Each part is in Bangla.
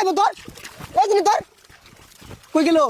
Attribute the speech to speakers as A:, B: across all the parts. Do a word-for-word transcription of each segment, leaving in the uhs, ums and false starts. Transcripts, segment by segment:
A: খাইবো তোর এই জিনিস তোর কই গেল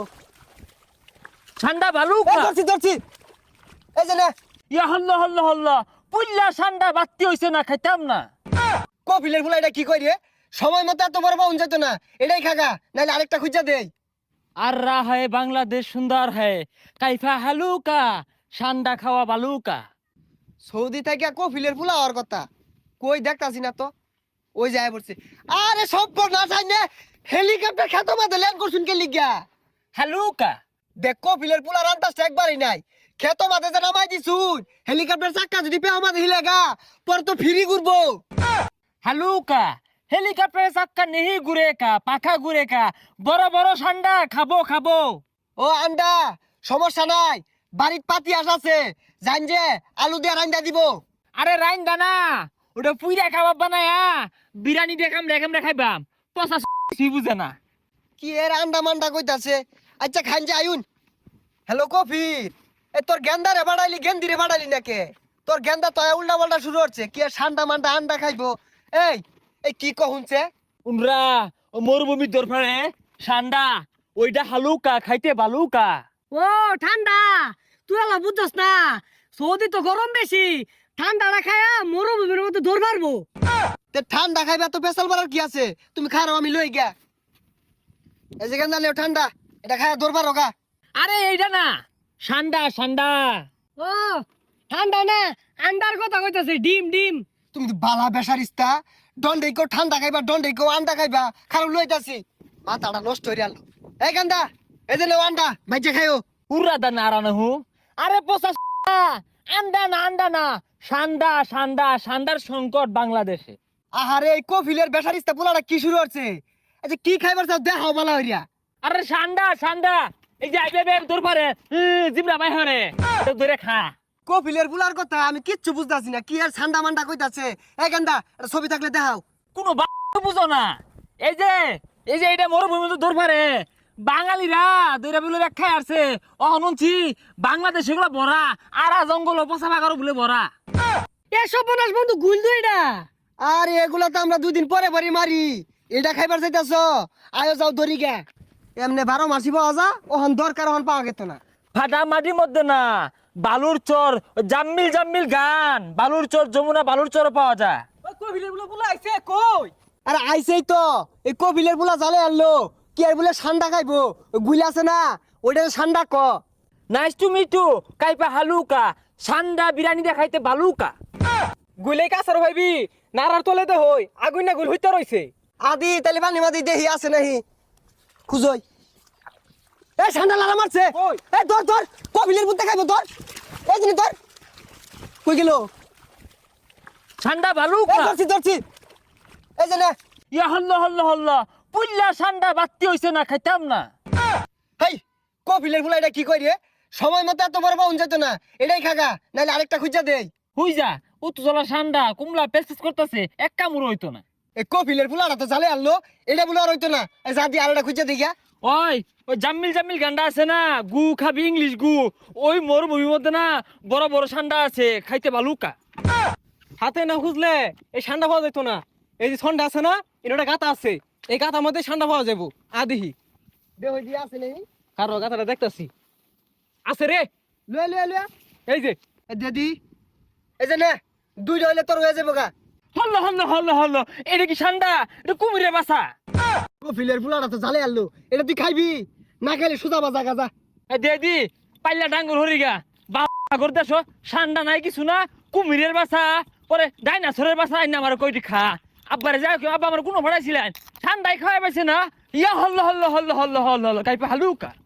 B: ঠান্ডা ভালো
A: এই ধরছি ধরছি এই যে না
B: ইয়া হল্লা হল্লা হল্লা পুল্লা ঠান্ডা বাত্তি হইছে না খাইতাম না
A: কফিলের ফুলা এটা কি কই রে সময় মতো এত বড় পাউন যেত না এটাই খাগা নাইলে আরেকটা খুঁজা দেই
B: আর রা হয় বাংলাদেশ সুন্দর হয় কাইফা হালুকা ঠান্ডা খাওয়া বালুকা
A: সৌদি থেকে কফিলের ফুলা হওয়ার কথা কই দেখতাছি না তো ওই যায় পড়ছে আরে সব না চাইনে হেলিকপ্টার খেতো মাঝে ল্যান্ড করছুন কে লিগা
B: হালুকা
A: দেখ কফিলের ফুলা রান্তাসটা একবারই নাই খেতো মাঝে যে নামাই দিছুন হেলিকপ্টার চাক্কা যদি পেও মাঝে হিলেগা পর তো ফিরি ঘুরবো
B: হালুকা হেলিকপ্টারে চাক্কা নেহি ঘুরে কা পাখা ঘুরে কা বড় বড় ঠান্ডা খাবো খাবো
A: ও আন্ডা সমস্যা নাই বাড়ির পাতি আস আছে জান যে আলু দিয়ে রান্দা দিব
B: আরে রাইন দানা ওটা পুইরা খাবার বানায়া বিরিয়ানি দেখাম দেখাম দেখাইবাম পচা সি বুঝে না
A: কি এর আন্ডা মান্ডা কইতাছে আচ্ছা খান যে আয়ুন হ্যালো কফি এ তোর গেন্দা রে বাড়াইলি গেন্দি রে বাড়াইলি নাকে তোর গেন্দা তো উল্টা পাল্টা শুরু হচ্ছে কি আর ঠান্ডা মান্ডা আন্ডা খাইবো এই এই কি কহুনছে
B: উনরা ও মরুভূমির দরফারে ঠান্ডা ওইটা হালুকা খাইতে বালুকা
C: ও ঠান্ডা তুই আলা বুঝছস না সৌদি তো গরম বেশি ঠান্ডা না খায়া মরুভূমির মধ্যে দৌড় মারবো
A: তে ঠান্ডা খাইবা তো পেশাল বাড়ার কি আছে তুমি খারাও আমি লই গিয়া এই যে গেন্দা লেও ঠান্ডা এটা খায়া দরবার হোগা
B: আরে এইটা না ঠান্ডা ঠান্ডা
C: ও ঠান্ডা না আন্ডার কথা কইতাছে ডিম ডিম
A: তুমি তো বালা বেসারিস্তা দন্ডে কো ঠান্ডা খাইবা দন্ডে কো আন্ডা খাইবা খারাপ লইতাছি মাথাটা নষ্ট হইরা আলো এই গেন্দা এই যে লেও আন্ডা মাইজে খাইও
B: উড়া দা নারানা হু আরে পচা আন্ডা না আন্ডা না সান্ডা সান্ডা সান্ডার সংকট বাংলাদেশে
A: আহারে এই কফিলের বেসারিস্তা পোলাটা কি শুরু হচ্ছে আচ্ছা কি খাইবার চাও দেখাও বালা হইরা
B: আরে সান্ডা সান্ডা এই যে আইবে বে তোর পারে জিবরা বাই হরে তো ধরে খা
A: কফিলের পোলার কথা আমি কিচ্ছু বুঝতাছি না কি আর ঠান্ডা মান্ডা কইতাছে এই গেন্দা এটা ছবি থাকলে দেখাও
B: কোনো বুঝো না এই যে এই যে এটা মরুভূমি তো দূর পারে বাঙালিরা দৈরা বলে ব্যাখ্যায় আসছে অহনছি বাংলাদেশ এগুলো ভরা আরা জঙ্গল পচা বাগারও বলে ভরা
C: এসব বনাস বন্ধু গুল দুইটা
A: আরে এগুলা তো আমরা দুদিন পরে পরে মারি এটা খাইবার চাইতাছ আয়ো যাও দড়ি গে এমনি বারো মাসি পাওয়া যা ওহন দরকার ওহন পাওয়া গেত না
B: ফাটা মাটির মধ্যে না বালুর চর জাম্মিল জাম্মিল গান বালুর চর যমুনা বালুর চর পাওয়া যায়
C: কবিলের বলে বলে আইছে কই
A: আরে আইসেই তো এই কফিলের পোলা জালে আনলো কি আর বলে ঠান্ডা খাইবো গুইলা আছে না ওইটা ঠান্ডা ক
B: নাইস টু মিট ইউ কাইপা হালুকা সান্ডা বিরিয়ানি দেখাইতে বালুকা
C: গুলে কাছার ভাইবি নারার তলে দে হই আগুন না গুল হইতে রইছে
A: আদি তালি পানি মাদি দেহি আছে নাহি খুঁজই এই ঠান্ডা লালা মারছে
C: কই?
A: এই ধর ধর কফিলের পুত্তে খাইবো ধর এই জিনিস ধর কই গেল
B: সান্ডা
A: এই
B: বালুকা
A: ধরছি ধরছি এই যে না
B: ইয়া হল্লা হল্লা হল্লা পুল্লা সান্ডা বাত্তি হইছে না খাইতাম না
A: হেই কফিলের ফুলা এটা কি কই রে সময় মতো এত বড় পাউন যেত না এটাই খাগা নাইলে আরেকটা খুঁজা দেই
B: হুই যা উত্তজলা সান্ডা কুমলা পেসপেস করতেছে এক কামড় হইতো না
A: এই কফিলের ফুলাটা তো জালে আনলো এটা বলে আর হইতো না এই যা দিয়ে আরেকটা খুঁজা দেই গা
B: ওই ওই জাম্মিল জাম্মিল গান্ডা আছে না গু খাবি ইংলিশ গু ওই মরুভূমির মধ্যে না বড় বড় সান্ডা আছে খাইতে বালুকা
C: হাতে না খুঁজলে এই ঠান্ডা পাওয়া যেত না এই যে ঠান্ডা আছে না এটা গাতা আছে এই গাতার মধ্যে ঠান্ডা পাওয়া যাবো আদিহি
A: দেহ দিয়ে আছে নেই
C: কারো গাতাটা দেখতাছি আছে রে
A: লয়ে লয়ে লয়ে
C: এই যে
A: এই দিদি এই যে না দুইটা হইলে তোর হয়ে যাবো গা
B: হল্ল হল্ল হল্ল হল্ল এটা কি সান্ডা এটা কুমিরে বাসা
A: কফিলের ফুলাটা তো জালে আনলো এটা তুই খাইবি না খাইলে সুজা বাজা গাজা
B: দে দি পাল্লা ডাঙ্গুর হরিগা বাগর দেশ সান্ডা নাই কিছু না কুমিরের বাসা পরে ডাইনাসরের বাসা আইনা আমার কইটি খা আব্বারে যাও কেউ আব্বা আমার কোনো ভাড়াইছিলেন ঠান্ডায় খাওয়াই পাইছে না ইয়া হল্ল হল্ল হল্ল হল্ল হল্ল হল্ল কাইপা হালুকা